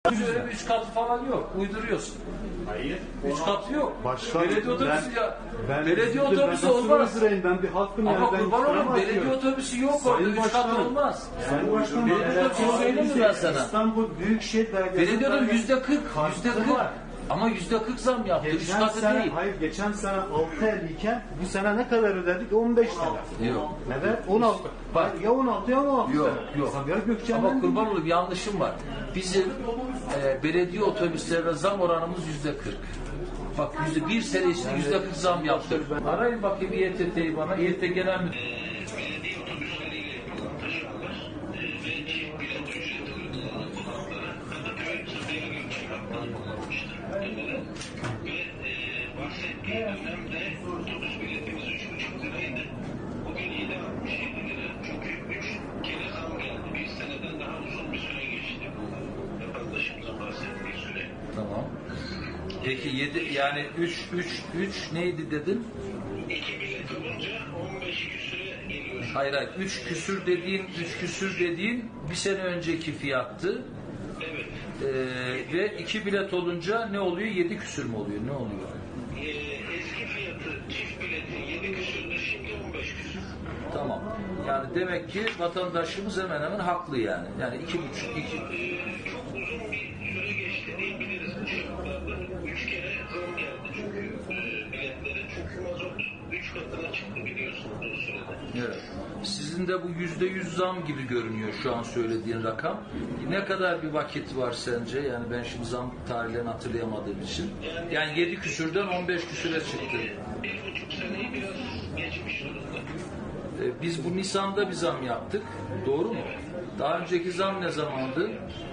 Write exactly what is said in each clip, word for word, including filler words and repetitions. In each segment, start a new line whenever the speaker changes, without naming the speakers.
Öyle bir üç katı falan yok. Uyduruyorsun.
Hayır.
Üç katı yok.
Başkan,
belediye otobüsü
ben-
ya.
Ben
belediye
üzüldüm.
otobüsü
Ben nasıl
olmaz.
uydurayım? Ben bir halkım
Ama
yani. Ben
kurban
iftira
olayım,
mı
belediye
atıyorum?
otobüsü yok
Sayın
orada. Üç kat
Başkanım,
olmaz.
Sayın Başkanım,
Belediye
eğer
otobüsü
bu
söyleyeyim mi ben sana?
İstanbul Büyükşehir Belediyesi
Belediye otobüsü yüzde kırk. Yüzde kırk.
var.
Ama yüzde kırk zam yaptı. Üç
Geçen
katı
sene,
değil.
hayır geçen sene altı elli iken bu sene ne kadar ödedik? on beş lira.
Yok.
Evet on altı.
Bak.
Ya on altı ya on altı.
Yok,
sene.
yok.
Sabiha Gökçen'den
Ama kurban olayım, yanlışım var. Bizim e, belediye otobüslerine zam oranımız yüzde kırk. Bak yüzde bir sene içinde yüzde kırk zam yaptık. Arayın bakayım İ E T T'yi bana. İ E T Genel Müdür.
Belediye otobüsleriyle taşıyorlar e, ve çift bilet ücreti uygulanan konaklara Kadıköy Sabiha Gökçen hattına kullanmıştır muhtemelen. Ve e, bahsettiği dönemde otobüs biletimiz üç buçuk liraydı. Bugün yedi altmış yedi lira. Çünkü üç kere zam geldi. Bir seneden daha uzun bir süre geçti. Vatandaşımızın bahsettiği süre.
Tamam. Peki yedi yani üç üç üç neydi dedin?
İki bilet olunca on beş küsüre geliyor.
Hayır hayır. üç küsür dediğin üç küsür dediğin bir sene önceki fiyattı.
Evet.
Ee, ve iki bilet olunca ne oluyor? Yedi küsür mü oluyor? Ne oluyor?
Ee, eski fiyatı çift biletin yedi küsürdü, şimdi on beş küsür.
Tamam. Yani demek ki vatandaşımız hemen hemen haklı yani. Yani iki buçuk iki.
Ee, çok uzun bir süre geçti diyebiliriz bu şartlarda. Üç kere zam geldi çünkü e, biletlere. Çünkü mazot üç katına çıktı biliyorsunuz o sürede.
Evet. Sizin de bu yüzde yüz zam gibi görünüyor şu an söylediğin rakam. Ne kadar bir vakit var sence? Yani ben şimdi zam tarihlerini hatırlayamadığım için. Yani yedi küsürden on beş küsüre çıktı.
Bir buçuk seneyi biraz geçmiş durumda.
Ee, Biz bu Nisan'da bir zam yaptık. Doğru mu? Daha önceki zam ne zamandı?
Ee,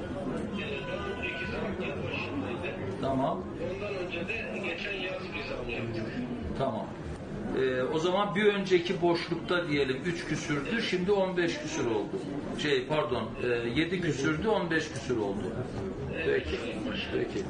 daha önceki zam yıl başındaydı.
Tamam.
Ondan önce de geçen yaz bir zam yaptık.
Tamam. Ee, o zaman bir önceki boşlukta diyelim üç küsürdü, şimdi on beş küsür oldu. Şey pardon, e, yedi küsürdü, on beş küsür oldu. Peki. Peki.